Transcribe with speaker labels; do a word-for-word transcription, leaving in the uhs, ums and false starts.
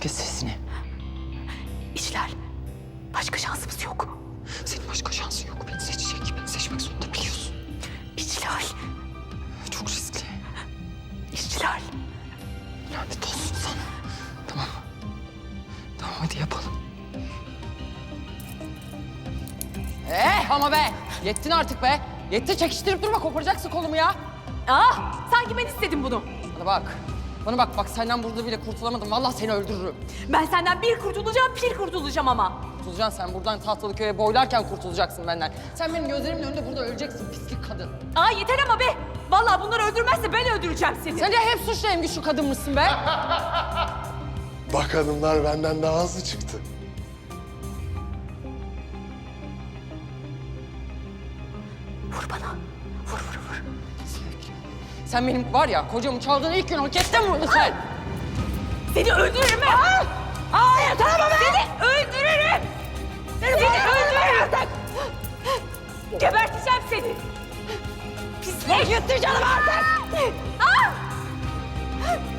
Speaker 1: Kes sesini.
Speaker 2: İşler. Başka şansımız yok.
Speaker 1: Senin başka şansın yok. Beni seçecek. Beni seçmek zorunda biliyorsun.
Speaker 2: İşçiler.
Speaker 1: Çok riskli.
Speaker 2: İşçiler.
Speaker 1: Lanet olsun sana. Tamam. Tamam hadi yapalım. Eh ama be! Yettin artık be! Yetti, çekiştirip durma, koparacaksın kolumu ya.
Speaker 2: Ah, sanki ben istedim bunu.
Speaker 1: Bana bak. Bana bak, bak senden burada bile kurtulamadım. Vallahi seni öldürürüm.
Speaker 2: Ben senden bir kurtulacağım, bir kurtulacağım ama.
Speaker 1: Kurtulacaksın sen. Buradan Tahtalıköy'e boylarken kurtulacaksın benden. Sen benim gözlerimin önünde burada öleceksin pislik kadın.
Speaker 2: Aa yeter ama be. Vallahi bunları öldürmezse ben öldüreceğim seni.
Speaker 1: Sen de hep suçlu hem güçlü kadın mısın be?
Speaker 3: Bak hanımlar benden daha hızlı çıktı.
Speaker 2: Vur bana. Vur vur vur.
Speaker 1: Sen benim var ya kocamı çaldığın ilk gün hak ettin bunu sen.
Speaker 2: Seni öldürürüm ben. Aa! Aa yeter ama be. Seni öldürürüm. Seni, seni öldürürüm artık. Geberteceğim seni. Pislik. Yuttu canım artık. Aa!